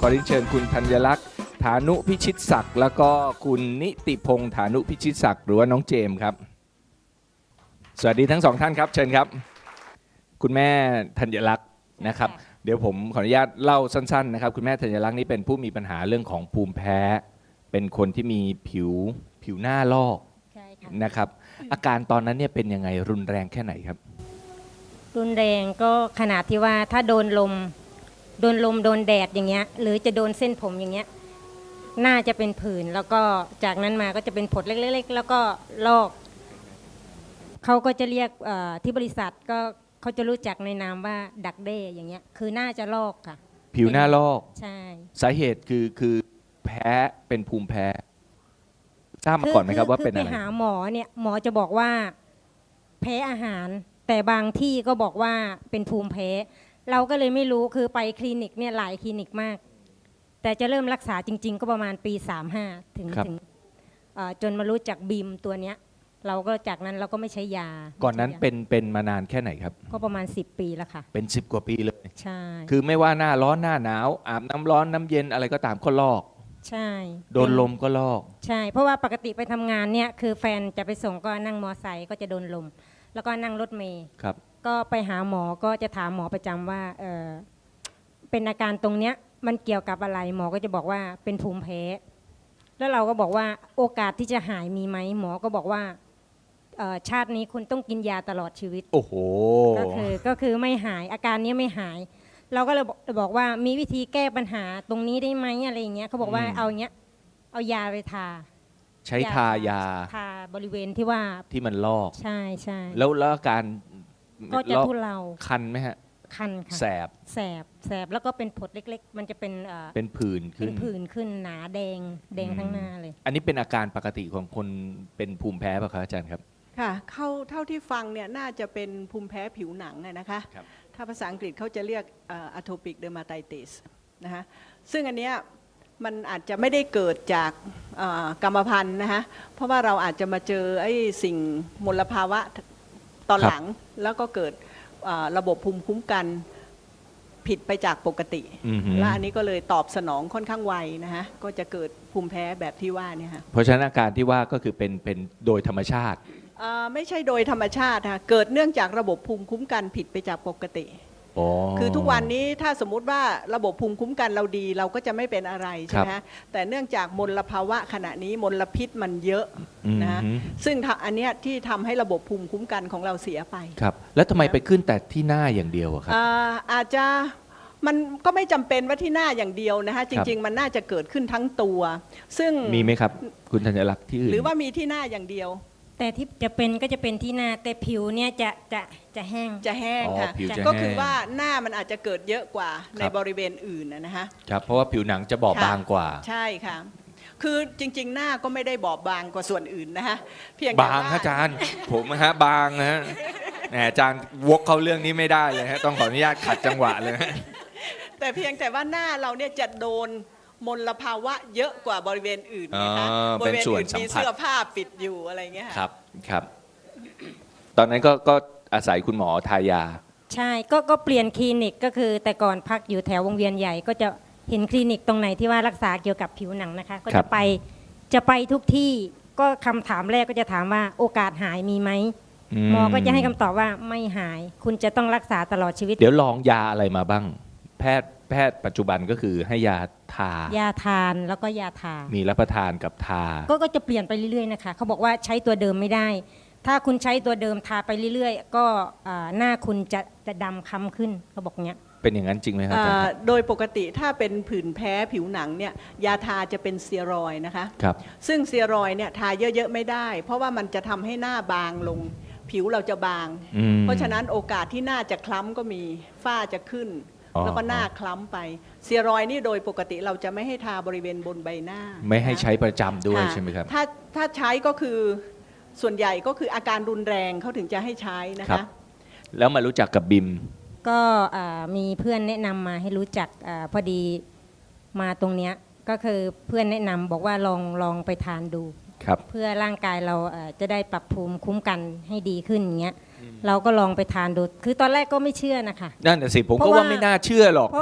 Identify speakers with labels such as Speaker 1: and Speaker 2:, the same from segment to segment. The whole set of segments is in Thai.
Speaker 1: ขอเรียนเชิญคุณธัญลักษณ์ฐานุพิชิตศักดิ์แล้วก็คุณนิติพงษ์ฐานุพิชิตศักดิ์หรือว่าน้องเจมส์ครับสวัสดีทั้งสองท่านครับเชิญครับคุณแม่ธัญลักษณ์นะครับเดี๋ยวผมขออนุญาตเล่าสั้นๆนะครับคุณแม่ธัญลักษณ์นี่เป็นผู้มีปัญหาเรื่องของภูมิแพ้เป็นคนที่มีผิวหน้าลอกนะครับอาการตอนนั้นเนี่ยเป็นยังไงรุนแรงแค่ไหนครับ
Speaker 2: รุนแรงก็ขนาดที่ว่าถ้าโดนลมโดนแดดอย่างเงี้ยหรือจะโดนเส้นผมอย่างเงี้ยหน้าจะเป็นผื่นแล้วก็จากนั้นมาก็จะเป็นผดเล็กๆแล้วก็ลอกเขาก็จะเรียกที่บริษัทก็เขาจะรู้จักในนามว่าดักเด้อย่างเงี้ยคือหน้าจะลอกค่ะ
Speaker 1: ผิวหน้าลอก
Speaker 2: ใช่
Speaker 1: สาเหตุคือแพ้เป็นภูมิแพ้ทราบมาก่อนไหมครับว่าเป็นอะไร
Speaker 2: ไปหาหมอเนี่ยหมอจะบอกว่าแพ้อาหารแต่บางที่ก็บอกว่าเป็นภูมิแพ้เราก็เลยไม่รู้คือไปคลินิกเนี่ยหลายคลินิกมากแต่จะเริ่มรักษาจริงๆก็ประมาณปี35ถึงจนมารู้จักบีมตัวเนี้ยเราก็จากนั้นเราก็ไม่ใช้ยา
Speaker 1: ก่อนนั้นเป็นมานานแค่ไหนครับ
Speaker 2: ก็ประมาณ10ปีแล้วค่ะ
Speaker 1: เป็น10กว่าปีเลย
Speaker 2: ใช่
Speaker 1: คือไม่ว่าหน้าร้อนหน้าหนาวอาบน้ำร้อนน้ำเย็นอะไรก็ตามก็ลอก
Speaker 2: ใช่
Speaker 1: โดนลมก็ลอก
Speaker 2: ใช่เพราะว่าปกติไปทำงานเนี่ยคือแฟนจะไปส่งก็นั่งมอไซค์ก็จะโดนลมแล้วก็นั่งรถเมล์
Speaker 1: ครับ
Speaker 2: ก็ไปหาหมอก็จะถามหมอประจำว่าเป็นอาการตรงเนี้ยมันเกี่ยวกับอะไรหมอก็จะบอกว่าเป็นภูมิแพ้แล้วเราก็บอกว่าโอกาสที่จะหายมีไหมหมอก็บอกว่าชาตินี้คุณต้องกินยาตลอดชีวิต
Speaker 1: โอ้โห
Speaker 2: ก็คือไม่หายอาการนี้ไม่หายเราก็เลยบอกว่ามีวิธีแก้ปัญหาตรงนี้ได้ไหมอะไรอย่างเงี้ยเขาบอกว่าเอาเงี้ยเอายาไปทา
Speaker 1: ใช้ทายา
Speaker 2: ทาบริเวณที่ว่า
Speaker 1: ที่มันลอก
Speaker 2: ใช่ใช่
Speaker 1: แล้วอาการ
Speaker 2: ก็จะทุเลา
Speaker 1: คันไหมฮะ
Speaker 2: คันค่ะแสบแล้วก็เป็นผดเล็กๆมันจะเป็น
Speaker 1: ผื่น
Speaker 2: ขึ้นหนาแดงทั้งหน้าเลย
Speaker 1: อันนี้เป็นอาการปกติของคนเป็นภูมิแพ้ป่ะครับอาจารย์ครับ
Speaker 3: ค่ะเท่าที่ฟังเนี่ยน่าจะเป็นภูมิแพ้ผิวหนังนะคะถ้าภาษาอังกฤษเขาจะเรียกatopic dermatitis นะคะซึ่งอันเนี้ยมันอาจจะไม่ได้เกิดจากกรรมพันธุ์นะคะเพราะว่าเราอาจจะมาเจอไอ้สิ่งมลภาวะตอนหลังแล้วก็เกิดระบบภูมิคุ้มกันผิดไปจากปกติและอันนี้ก็เลยตอบสนองค่อนข้างไวนะคะก็จะเกิดภูมิแพ้แบบที่ว่าเนี่ยค่ะ
Speaker 1: เพราะฉะนั้นอาการที่ว่าก็คือเป็นโดยธรรมชาติ
Speaker 3: ไม่ใช่โดยธรรมชาติค่ะเกิดเนื่องจากระบบภูมิคุ้มกันผิดไปจากปกติคือทุกวันนี้ถ้าสมมุติว่าระบบภูมิคุ้มกันเราดีเราก็จะไม่เป็นอะไรใช่ไหมฮะแต่เนื่องจากมลภาวะขณะนี้มลพิษมันเยอะนะซึ่งอันเนี้ยที่ทำให้ระบบภูมิคุ้มกันของเราเสียไป
Speaker 1: ครับแล้วทำไมไปขึ้นแต่ที่หน้าอย่างเดียวครับ
Speaker 3: อาจจะมันก็ไม่จำเป็นว่าที่หน้าอย่างเดียวนะฮะจริงๆมันน่าจะเกิดขึ้นทั้งตัวซึ่ง
Speaker 1: มีไหมครับคุณธัญลักษณ์ที่อื่น
Speaker 3: หรือว่ามีที่หน้าอย่างเดียว
Speaker 2: แต่ที่จะเป็นก็จะเป็นที่หน้าแต่ผิวเนี่ยจะแห้ง
Speaker 3: ค่ะก็คือว่าหน้ามันอาจจะเกิดเยอะกว่าในบริเวณอื่นนะฮะ
Speaker 1: ครับเพราะว่าผิวหนังจะบอบบางกว่า
Speaker 3: ใช่ค่ะคือจริงๆหน้าก็ไม่ได้บอบบางกว่าส่วนอื่นนะฮะ
Speaker 1: เพียงบางอาจารย์ผมฮะบางนะฮะอาจารย์วกเข้าเรื่องนี้ไม่ได้เลยฮะต้องขออนุญาตขัดจังหวะเลย
Speaker 3: แต่เพียงแต่ว่าหน้าเราเนี่ยจะโดนมลภาวะเยอะกว่าบริเวณอื่นนะคะบริเวณอื่นมีเสื้อผ้าปิดอยู่อะไรเงี้ย
Speaker 1: ครับตอนนั้นก็อาศัยคุณหมอทายา
Speaker 2: ใช่ก็เปลี่ยนคลินิกก็คือแต่ก่อนพักอยู่แถววงเวียนใหญ่ก็จะเห็นคลินิกตรงไหนที่ว่ารักษาเกี่ยวกับผิวหนังนะคะก็จะไปทุกที่ก็คำถามแรกก็จะถามว่าโอกาสหายมีไหมหมอก็จะให้คำตอบว่าไม่หายคุณจะต้องรักษาตลอดชีวิต
Speaker 1: เดี๋ยวลองยาอะไรมาบ้างแพทย์ปัจจุบันก็คือให้ยา
Speaker 2: ทานแล้วก็ยาทา
Speaker 1: มีรับประทานกับทา
Speaker 2: ก็จะเปลี่ยนไปเรื่อยๆนะคะเขาบอกว่าใช้ตัวเดิมไม่ได้ถ้าคุณใช้ตัวเดิมทาไปเรื่อยๆก็หน้าคุณจะดำคล้ำขึ้นเขาบอกเนี้ย
Speaker 1: เป็นอย่างนั้นจริงไหมครับ
Speaker 3: โดยปกติถ้าเป็นผื่นแพ้ผิวหนังเนี่ยยาทาจะเป็นสเตียรอยด์นะคะ
Speaker 1: ครับ
Speaker 3: ซึ่งสเตียรอยด์เนี่ยทาเยอะๆไม่ได้เพราะว่ามันจะทำให้หน้าบางลงผิวเราจะบางเพราะฉะนั้นโอกาสที่หน้าจะคล้ำก็มีฝ้าจะขึ้นแล้วก็หน้าคล้ำไปสเตียรอยด์นี่โดยปกติเราจะไม่ให้ทาบริเวณบนใบหน้า
Speaker 1: ไม่ให้ใช้ประจำด้วยใช่ไหมครับ
Speaker 3: ถ้าใช้ก็คือส่วนใหญ่ก็คืออาการรุนแรงเขาถึงจะให้ใช้นะคะ
Speaker 1: แล้วมารู้จักกับบิม
Speaker 2: ก็มีเพื่อนแนะนำมาให้รู้จักพอดีมาตรงเนี้ยก็คือเพื่อนแนะนำบอกว่าลองไปทานดูเพื่อร่างกายเราจะได้ปรับภูมิคุ้มกันให้ดีขึ้นอย่างเงี้ยเราก็ลองไปทานดูคือตอนแรกก็ไม่เชื่อนะคะ
Speaker 1: นั่นแหละสิผมก็ว่าไม่น่าเชื่อหรอก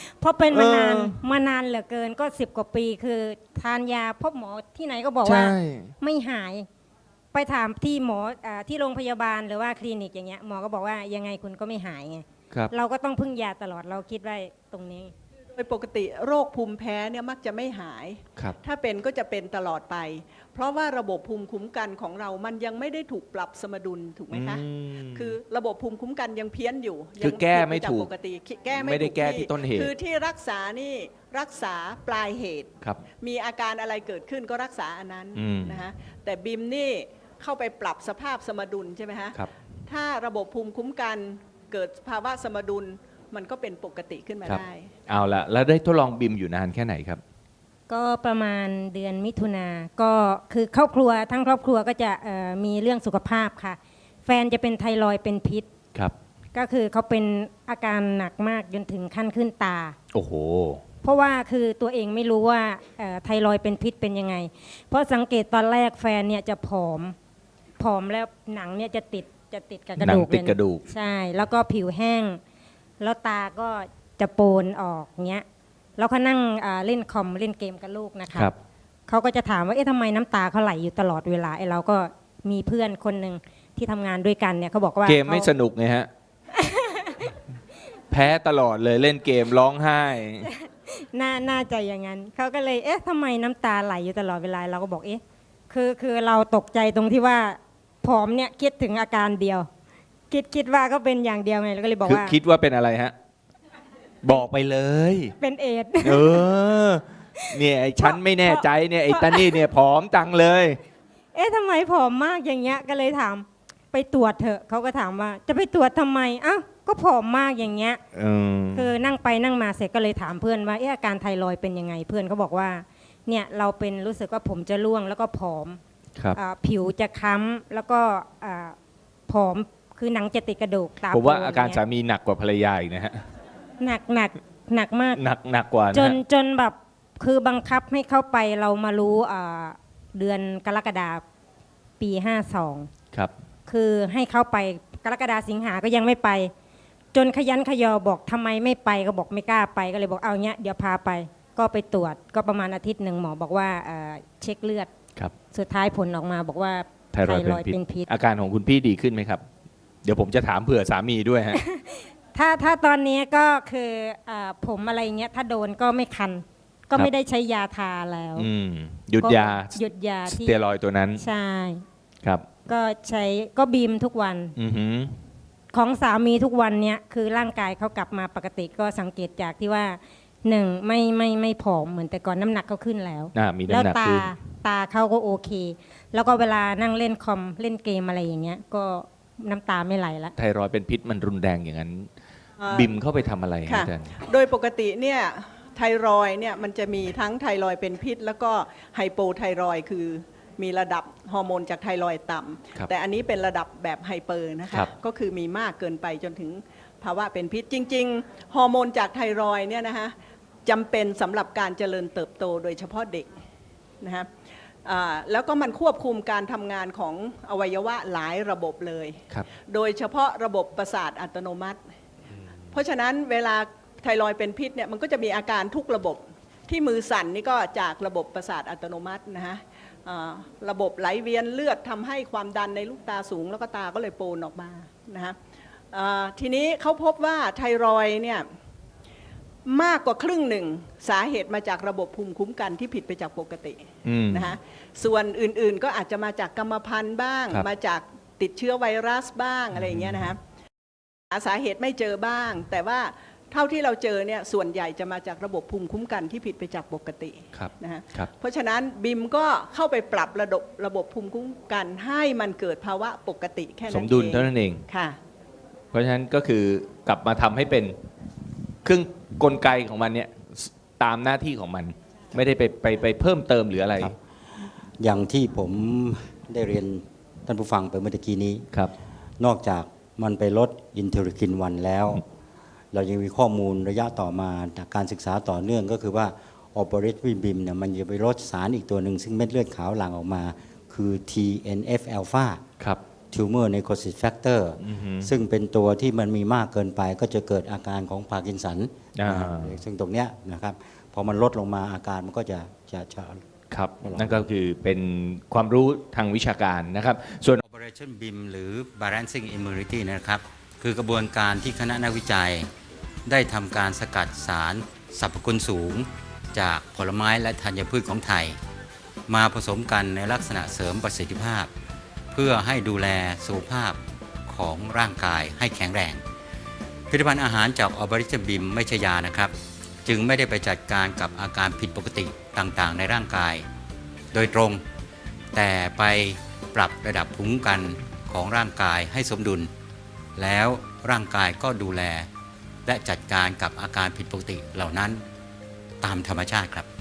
Speaker 2: เพราะเป็นมานาน
Speaker 1: เออ
Speaker 2: มานานเหลือเกินก็10 กว่าปีคือทานยาพบหมอที่ไหนก็บอกว่า
Speaker 1: ใช่
Speaker 2: ไม่หาย ไปถามที่หมอที่โรงพยาบาลหรือว่าคลินิกอย่างเงี้ยหมอก็บอกว่ายังไงคุณก็ไม่หายไง
Speaker 1: ครับ
Speaker 2: เราก็ต้องพึ่งยาตลอดเราคิดไว้ตรงนี้
Speaker 3: โดยปกติโรคภูมิแพ้เนี่ยมักจะไม่หาย
Speaker 1: ครับ
Speaker 3: ถ้าเป็นก็จะเป็นตลอดไป เพราะว่าระบบภูมิคุ้มกันของเรามันยังไม่ได้ถูกปรับสมดุลถูกไหมคะ คือระบบภูมิคุ้มกันยังเพี้ยนอยู่
Speaker 1: คือแก้ไม่ถูก
Speaker 3: ยังผิดปจากปกติแก้ไม่
Speaker 1: ไม่ได้
Speaker 3: ถู
Speaker 1: แก้ที่ต้นเหตุ
Speaker 3: คือที่รักษานี่รักษาปลายเหตุ
Speaker 1: ครับ
Speaker 3: มีอาการอะไรเกิดขึ้นก็รักษาอันนั้น
Speaker 1: อืม
Speaker 3: นะคะแต่บิมนี่เข้าไปปรับสภาพสมดุลใช่ไหมฮะ
Speaker 1: ครับ
Speaker 3: ถ้าระบบภูมิคุ้มกันเกิดภาวะสมดุลมันก็เป็นปกติขึ้นมา
Speaker 1: ครับ
Speaker 3: ได้
Speaker 1: เอาละแล้วได้ทดลองบิมอยู่นานแค่ไหนครับ
Speaker 2: ก็ประมาณเดือนมิถุนาก็คือครอบครัวทั้งครอบครัวก็จะมีเรื่องสุขภาพค่ะ แฟนจะเป็นไทรอยด์เป็นพิษ
Speaker 1: ครับ
Speaker 2: ก็คือเขาเป็นอาการหนักมากจนถึงขั้นขึ้นตา
Speaker 1: โอ้โห
Speaker 2: เพราะว่าคือตัวเองไม่รู้ว่าไทรอยด์เป็นพิษเป็นยังไง เพราะสังเกตตอนแรกแฟนเนี่ยจะผอมแล้วหนังเนี่ยจะติดกับกระดูก
Speaker 1: หนังติดกระดูก
Speaker 2: ใช่ แล้วก็ผิวแห้ง แล้วตาก็จะโปนออกเงี้ยแล้วเขานั่งเล่นคอมเล่นเกมกับลูกนะคะ
Speaker 1: ครับ
Speaker 2: เขาก็จะถามว่าเอ๊ะทำไมน้ำตาเขาไหลอยู่ตลอดเวลาไอ้เราก็มีเพื่อนคนหนึ่งที่ทำงานด้วยกันเนี่ยเขาบอกว่า
Speaker 1: เกมไม่
Speaker 2: ขา
Speaker 1: สนุกไงฮะ แพ้ตลอดเลยเล่นเกมร้องไห้
Speaker 2: น่าจะอย่างนั้นเขาก็เลยเอ๊ะทำไมน้ำตาไหลอยู่ตลอดเวลาเราก็บอกเอ๊ะคือเราตกใจตรงที่ว่าผอมเนี่ยคิดถึงอาการเดียว คิดว่าก็เป็นอย่างเดียวไงเราก็เลยบอก
Speaker 1: คือ
Speaker 2: ว่า
Speaker 1: คิดว่าเป็นอะไรฮะ บอกไปเลย
Speaker 2: เป็นเอดส์
Speaker 1: เออ เนี่ยไอ้ฉันไม่แน่ใจเนี่ยไอ้ตานี่เนี่ยผอมจังเลย
Speaker 2: เอ๊ะทำไมผอมมากอย่างเงี้ยก็เลยถามไปตรวจเถอะเขาก็ถามว่าจะไปตรวจทำไมอ้าวก็ผอมมากอย่างเงี้ย คือนั่งไปนั่งมาเสร็จก็เลยถามเพื่อนว่าอาการไทรอยด์เป็นยังไงเพื่อนเขาบอกว่าเนี่ยเราเป็นรู้สึกว่าผมจะร่วงแล้วก็ผอม
Speaker 1: ครับ
Speaker 2: ผิวจะค้ำแล้วก็ผอมคือหนังจะติดกระดูกตา
Speaker 1: ผมว่า
Speaker 2: โปน
Speaker 1: อาการ
Speaker 2: ย่ง
Speaker 1: สา
Speaker 2: เงี้ย
Speaker 1: มีหนักกว่าภรรยาอีกนะฮะ
Speaker 2: หนักมาก
Speaker 1: หนักกว่านะ
Speaker 2: จ
Speaker 1: ฮะ
Speaker 2: นแบบคือบังคับให้เข้าไปเรามารู้เดือนกรกฎาปี52
Speaker 1: ครับ
Speaker 2: คือให้เข้าไปกรกฎาสิงหาก็ยังไม่ไป จนขยันขยอบอกทำไมไม่ไปก็บอกไม่กล้าไปก็เลยบอกเอาเนี้ยเดี๋ยวพาไปก็ไปตรวจก็ประมาณอาทิตย์หนึ่งหมอบอกว่าเช็คเลือด
Speaker 1: ครับ
Speaker 2: สุดท้ายผลออกมาบอกว่า
Speaker 1: ไทรอยด์เป็น
Speaker 2: เป็น
Speaker 1: พิ
Speaker 2: พิ
Speaker 1: ษ
Speaker 2: ษ
Speaker 1: อาการของคุณพี่ดีขึ้นไหมครับ เดี๋ยวผมจะถามเผื่อสามีด้วยฮะ
Speaker 2: ถ้าตอนนี้ก็คือผมอะไรเงี้ยถ้าโดนก็ไม่คัน ก็
Speaker 1: ครับ
Speaker 2: ไม่ได้ใช้ยาทาแล้ว
Speaker 1: หยุดยา
Speaker 2: ก็หยุดยา
Speaker 1: ส
Speaker 2: ที่
Speaker 1: เตียรอยด์ตัวนั้น
Speaker 2: ใช่
Speaker 1: ครับ
Speaker 2: ก็ใช้ก็บีมทุกวัน
Speaker 1: อือหือ
Speaker 2: ของสามีทุกวันเนี้ยคือร่างกายเขากลับมาปกติก็สังเกตจากที่ว่าหนึ่งไม่ผอมเหมือนแต่ก่อนน้ำหนักเขาขึ้นแล้ว
Speaker 1: มี
Speaker 2: แล้ว
Speaker 1: น้ำหนัก
Speaker 2: ตา
Speaker 1: ขึ้น
Speaker 2: เขาก็โอเค แล้วก็เวลานั่งเล่นคอมเล่นเกมอะไรอย่างเงี้ยก็น้ำตาไม่ไหลละ
Speaker 1: ไทรอยด์เป็นพิษมันรุนแรงอย่างนั้น
Speaker 3: อ่า
Speaker 1: บิมเข้าไปทำอะไรฮะ
Speaker 3: ค่ะ
Speaker 1: อาจารย์
Speaker 3: โดยปกติเนี่ยไทรอยด์เนี่ยมันจะมีทั้งไทรอยด์เป็นพิษ แล้วก็ไฮโปไทรอยด์คือมีระดับฮอร์โมนจากไทรอยด์ต่
Speaker 1: ครับ
Speaker 3: ำแต่อันนี้เป็นระดับแบบไฮเปอร์นะคะ
Speaker 1: ครับ
Speaker 3: ก็คือมีมากเกินไปจนถึงภาวะเป็นพิษ จริงๆฮอร์โมนจากไทรอยด์เนี่ยนะคะจำเป็นสำหรับการเจริญเติบโตโดยเฉพาะเด็กนะคะแล้วก็มันควบคุมการทำงานของอวัยวะหลายระบบเลย
Speaker 1: ครับ
Speaker 3: โดยเฉพาะระบบประสาทอัตโนมัติ เพราะฉะนั้นเวลาไทรอยด์เป็นพิษเนี่ยมันก็จะมีอาการทุกระบบที่มือสั่นนี่ก็จากระบบประสาทอัตโนมัตินะฮะระบบไหลเวียนเลือดทำให้ความดันในลูกตาสูงแล้วก็ตาก็เลยโปนออกมานะฮะทีนี้เขาพบว่าไทรอยด์เนี่ยมากกว่าครึ่งหนึ่งสาเหตุมาจากระบบภูมิคุ้มกันที่ผิดไปจากปกติ นะฮะส่วนอื่นๆก็อาจจะมาจากกรรมพันธุ์บ้าง
Speaker 1: ครับ
Speaker 3: มาจากติดเชื้อไวรัสบ้างอะไรอย่างเงี้ยนะฮะหาสาเหตุไม่เจอบ้าง แต่ว่าเท่าที่เราเจอเนี่ยส่วนใหญ่จะมาจากระบบภูมิคุ้มกันที่ผิดไปจากปกติ
Speaker 1: ครับ
Speaker 3: นะฮะ
Speaker 1: ครับ
Speaker 3: เพราะฉะนั้นบิมก็เข้าไปปรับระบบภูมิคุ้มกันให้มันเกิดภาวะปกติแค่นั้น
Speaker 1: ส
Speaker 3: เอง
Speaker 1: มดุลเท่านั้นเอง
Speaker 3: ค่ะ
Speaker 1: เพราะฉะนั้นก็คือกลับมาทำให้เป็นเครื่องกลไกของมันเนี่ยตามหน้าที่ของมัน ไม่ได้ไปเพิ่มเติมหรืออะไร
Speaker 4: ครับ อย่างที่ผมได้เรียนท่านผู้ฟังไปเมื่อตะกี้นี้
Speaker 1: ครับ
Speaker 4: นอกจากมันไปลดอินเทอร์คิน1แล้ว เรายังมีข้อมูลระยะต่อมาจากการศึกษาต่อเนื่องก็คือว่าออปเปอเรตวิบิมเนี่ยมันจะไปลดสารอีกตัวหนึ่งซึ่งเม็ดเลือดขาวหลั่งออกมาคือ TNF อ l p h a
Speaker 1: ครับ
Speaker 4: tumor necrosis factor ซึ่งเป็นตัวที่มันมีมากเกินไปก็จะเกิดอาการของพาร์กินสันซึ่งตรงเนี้ยนะครับพอมันลดลงมาอาการมันก็จะ
Speaker 1: ครับนั่นก็คือเป็นความรู้ทางวิชาการนะครับส่วน
Speaker 4: Operation BIM หรือ Balancing Immunity นะครับคือกระบวนการที่คณะนักวิจัยได้ทำการสกัดสารสรรพคุณสูงจากผลไม้และธัญพืชของไทยมาผสมกันในลักษณะเสริมประสิทธิภาพเพื่อให้ดูแลสุขภาพของร่างกายให้แข็งแรงผลิตภัณฑ์อาหารจาก Operation BIM ไม่ใช่ยานะครับจึงไม่ได้ไปจัดการกับอาการผิดปกติต่างๆในร่างกายโดยตรงแต่ไปปรับระดับภูมิคุ้มกันของร่างกายให้สมดุลแล้วร่างกายก็ดูแลและจัดการกับอาการผิดปกติเหล่านั้นตามธรรมชาติครับ